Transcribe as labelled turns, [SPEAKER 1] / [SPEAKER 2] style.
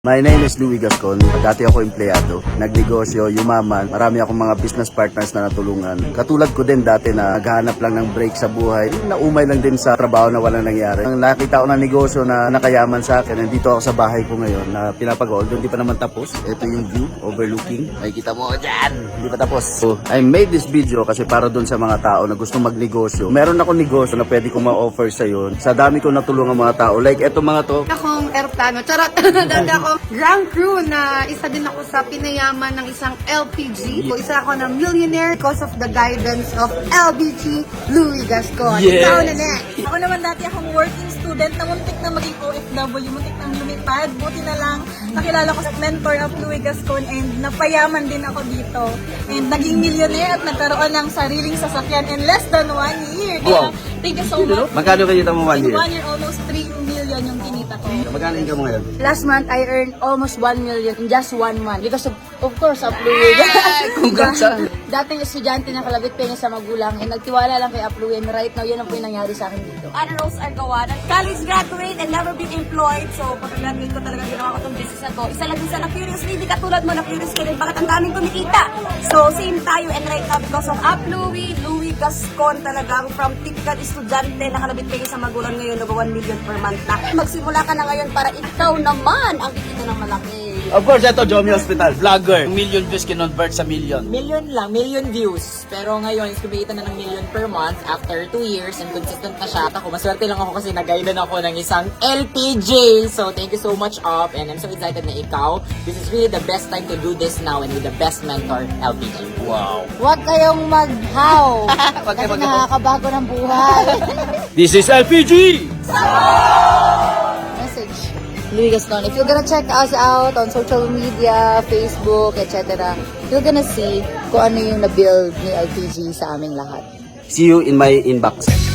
[SPEAKER 1] My name is Louie Gascon. Dati ako empleyado, nagnegosyo, yumaman. Marami akong mga business partners na natulungan. Katulad ko din dati na naghahanap lang ng break sa buhay. Naumay lang din sa trabaho na walang nangyari. Nang nakita ko ng negosyo na nakayaman sa akin, nandito ako sa bahay ko ngayon na pinapagawa. Although hindi pa naman tapos. Ito yung view, overlooking. Makikita mo dyan. Hindi pa tapos. So, I made this video kasi para dun sa mga tao na gustong magnegosyo. Meron ako negosyo na pwede kong ma-offer sa yun. Sa dami kong natulungan mga tao. Like eto mga to.
[SPEAKER 2] Akong aeroplano. Charot! Dati ako ground crew na isa din ako sa pinayaman ng isang LPG. So, isa ako na millionaire because of the guidance of LBG Louie Gascon.
[SPEAKER 1] Yes.
[SPEAKER 2] Ikaw na next.
[SPEAKER 3] Ako naman dati akong working student na muntik na maging OFW, muntik na lumipad. Buti na lang nakilala ko sa mentor of Louie Gascon and napayaman din ako dito. And naging millionaire at nagkaroon ng sariling sasakyan in less than 1 year. Kaya,
[SPEAKER 1] Wow.
[SPEAKER 3] thank you so much.
[SPEAKER 1] Magkano kayo mo 1
[SPEAKER 3] In
[SPEAKER 1] year?
[SPEAKER 3] 1 year, almost 3 million yung kinita ko.
[SPEAKER 1] Magkano income mo ngayon?
[SPEAKER 4] Last month, I earned almost 1 million in just 1 month because of course, Upluwi.
[SPEAKER 1] Congrats, ah.
[SPEAKER 4] Dating estudyante na kalabit pengi sa magulang, and nagtiwala lang kay Upluwi, and right now, yun ang po yung nangyari sa akin dito.
[SPEAKER 5] Honor rolls are gawa ng college graduate and never been employed. So, pag-graduate ko talaga ginawa ko itong business na to. Isa lang din sa na-curious, hindi katulad mo, na-curious ka rin, bakit ang daming kumikita? So, same tayo and right now because of Louie Gascon talagang from typical estudyante na kalabit kayo sa magulang ngayon, nag 1 million per month na. Magsimula ka na ngayon para ikaw naman ang kikita ng malaki.
[SPEAKER 1] Of course, ito, Jomi Hospital, vlogger. Million views kinonvert sa million.
[SPEAKER 6] Million views. Pero ngayon, kumikita na ng million per month after 2 years and consistent na siya. Ako, maswerte lang ako kasi nag-guidean ako ng isang LPG. So, thank you so much, Op. And I'm so excited na ikaw. This is really the best time to do this now and with the best mentor, LPG.
[SPEAKER 1] Wow.
[SPEAKER 4] Huwag kayong mag-how.
[SPEAKER 1] Huwag
[SPEAKER 4] Kasi
[SPEAKER 1] kayo mag-how.
[SPEAKER 4] nakakabago ng buhay.
[SPEAKER 1] This is LPG!
[SPEAKER 4] Message. Louie Gascon, if you're gonna check us out on social media, Facebook, etc., you're gonna see kung ano yung na-build ni LPG sa aming lahat.
[SPEAKER 1] See you in my inbox.